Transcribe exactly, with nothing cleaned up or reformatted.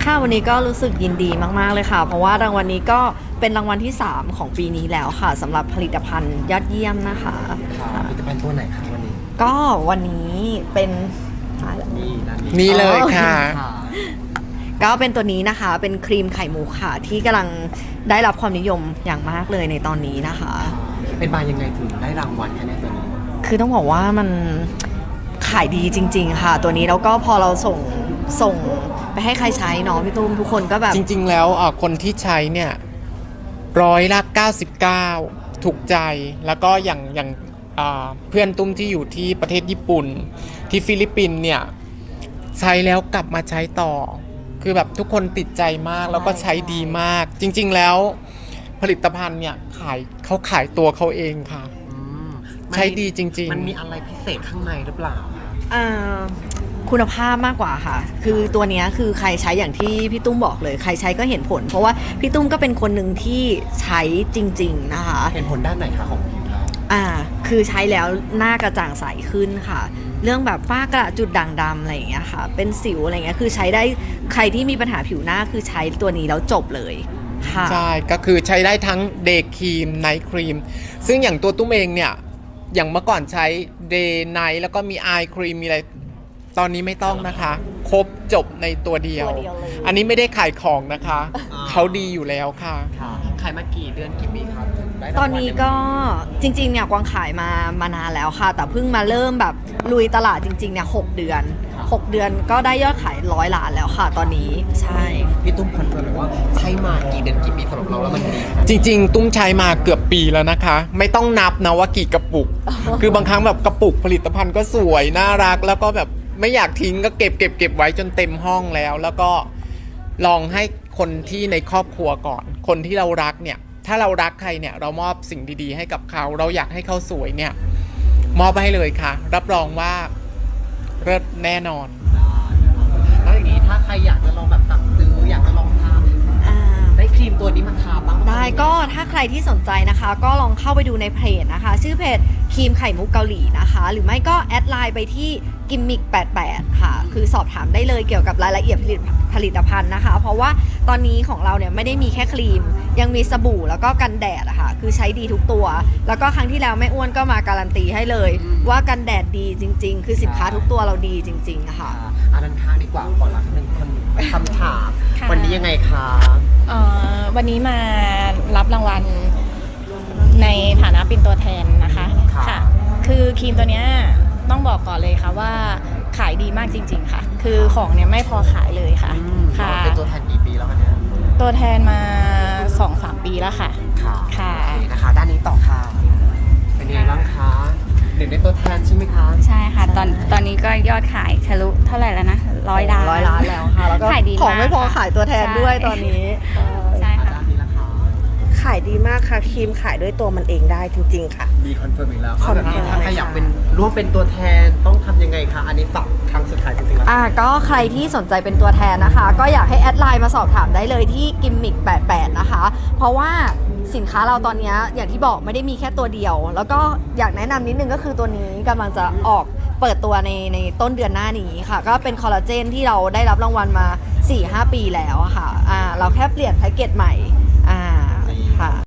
ค่ะวันนี้ก็รู้สึกยินดีมากๆเลยค่ะเพราะว่ารางวัลนี้ก็เป็นรางวัลที่สามของปีนี้แล้วค่ะสำหรับผลิตภัณฑ์ยอดเยี่ยมนะคะผลิตภัณฑ์ตัวไหนคะวันนี้ก็วันนี้เป็นนี่ด้านนี้นี่เลยค่ะก็เป็นตัวนี้นะคะเป็นครีมไข่มุกค่ะที่กำลังได้รับความนิยมอย่างมากเลยในตอนนี้นะคะเป็นมายังไงถึงได้รางวัลคะเนี่ยตัวนี้คือต้องบอกว่ามันขายดีจริงๆค่ะตัวนี้แล้วก็พอเราส่งส่งไปให้ใครใช้เนาะพี่ตุ้มทุกคนก็แบบจริงๆแล้วคนที่ใช้เนี่ยร้อยละเก้าสิบเก้าถูกใจแล้วก็อย่างอย่างเพื่อนตุ้มที่อยู่ที่ประเทศญี่ปุ่นที่ฟิลิปปินส์เนี่ยใช้แล้วกลับมาใช้ต่อคือแบบทุกคนติดใจมากแล้วก็ใช้ดีมากจริงๆแล้วผลิตภัณฑ์เนี่ยขายเขาขายตัวเขาเองค่ะใช้ดีจริงๆมันมีอะไรพิเศษข้างในหรือเปล่าคุณภาพมากกว่าค่ะคือตัวนี้คือใครใช้อย่างที่พี่ตุ้มบอกเลยใครใช้ก็เห็นผลเพราะว่าพี่ตุ้มก็เป็นคนหนึ่งที่ใช้จริงๆนะคะเห็นผลด้านไหนคะของผิวเราอ่าคือใช้แล้วหน้ากระจ่างใสขึ้นค่ะเรื่องแบบฝ้ากระจุดด่างดำอะไรอย่างเงี้ยค่ะเป็นสิวอะไรเงี้ยคือใช้ได้ใครที่มีปัญหาผิวหน้าคือใช้ตัวนี้แล้วจบเลยค่ะใช่ก็คือใช้ได้ทั้งเดย์ครีมไนท์ครีมซึ่งอย่างตัวตุ้มเองเนี่ยอย่างเมื่อก่อนใช้เดย์ไนท์แล้วก็มีไอครีมมีอะไรตอนนี้ไม่ต้องนะคะครบจบในตัวเดียวอันนี้ไม่ได้ขายของนะคะเขาดีอยู่แล้วค่ะขายมากี่เดือนกี่ปีครับตอนนี้ก็จริงๆเนี่ยกวางขายมามานานแล้วค่ะแต่เพิ่งมาเริ่มแบบลุยตลาดจริงๆเนี่ยหกเดือนหกเดือนก็ได้ยอดขายร้อยล้านแล้วค่ะตอนนี้ใช่พี่ตุ้มคอนเฟิร์มเลยว่าใช้มากี่เดือนกี่ปีสำหรับเราแล้วมันดีจริงๆตุ้มใช้มาเกือบปีแล้วนะคะไม่ต้องนับนะว่ากี่กระปุกคือบางครั้งแบบกระปุกผลิตภัณฑ์ก็สวยน่ารักแล้วก็แบบไม่อยากทิ้งก็เก็บเก็บเก็บไว้จนเต็มห้องแล้วแล้วก็ลองให้คนที่ในครอบครัวก่อนคนที่เรารักเนี่ยถ้าเรารักใครเนี่ยเรามอบสิ่งดีๆให้กับเขาเราอยากให้เขาสวยเนี่ยมอบให้เลยค่ะรับรองว่าเลิศแน่นอนแล้วอย่างนี้ถ้าใครอยากจะลองแบบสั่งซื้ออยากจะลองทาได้ครีมตัวนี้มาทาบ้างได้ก็ถ้าใครที่สนใจนะคะก็ลองเข้าไปดูในเพจนะคะชื่อเพจครีมไข่มุกเกาหลีนะคะหรือไม่ก็แอดไลน์ไปที่กิมมิกแปดแปดค่ะคือสอบถามได้เลยเกี่ยวกับรายละเอียดผลิตภัณฑ์นะคะเพราะว่าตอนนี้ของเราเนี่ยไม่ได้มีแค่ครีมยังมีสบู่แล้วก็กันแดดอะค่ะคือใช้ดีทุกตัวแล้วก็ครั้งที่แล้วแม่อ้วนก็มาการันตีให้เลยว่ากันแดดดีจริงๆคือสินค้าทุกตัวเราดีจริงๆค่ะอันนั้นข้างดีกว่าก่อนละหนึ่งคนคำถามวันนี้ยังไงคะวันนี้มารับรางวัลในฐานะเป็นตัวแทนนะคะค่ะคือครีมตัวนี้ต้องบอกก่อนเลยค่ะว่าขายดีมากจริงๆค่ะคือของเนี่ยไม่พอขายเลยค่ะค่ะเป็นตัวแทนกี่ปีแล้วคะเนี่ยตัวแทนมา สองถึงสาม ปีแล้วค่ะค่ะค่ะนะคะด้านนี้ต่อค่ะเป็นยังไงบ้างคะหนึ่งในตัวแทนใช่ไหมคะใช่ค่ะตอนตอนนี้ก็ยอดขายทะลุเท่าไหร่แล้วนะร้อยล้านร้อยล้านแล้วค่ะแล้วก็ของไม่พอขายตัวแทนด้วยตอนนี้ใช่ค่ะขายดีมากค่ะครีมขายด้วยตัวมันเองได้จริงๆค่ะดีคอนเฟิร์มอีกแล้วแบบนี้ถ้าใครอยากเป็นร่วมเป็นตัวแทนต้องทำยังไงคะอันนี้ฝากครั้งสุดท้ายจริงๆแล้วอ่าก็ใครที่สนใจเป็นตัวแทนนะคะก็อยากให้แอดไลน์มาสอบถามได้เลยที่กิมมิกแปดแปดนะคะเพราะว่าสินค้าเราตอนนี้อย่างที่บอกไม่ได้มีแค่ตัวเดียวแล้วก็อยากแนะนำนิดนึงก็คือตัวนี้กำลังจะออกเปิดตัวในในต้นเดือนหน้านี้ค่ะก็เป็นคอลลาเจนที่เราได้รับรางวัลมา สี่ถึงห้า ปีแล้วค่ะอ่าเราแค่เปลี่ยนแพ็กเกจใหม่อ่าค่ะ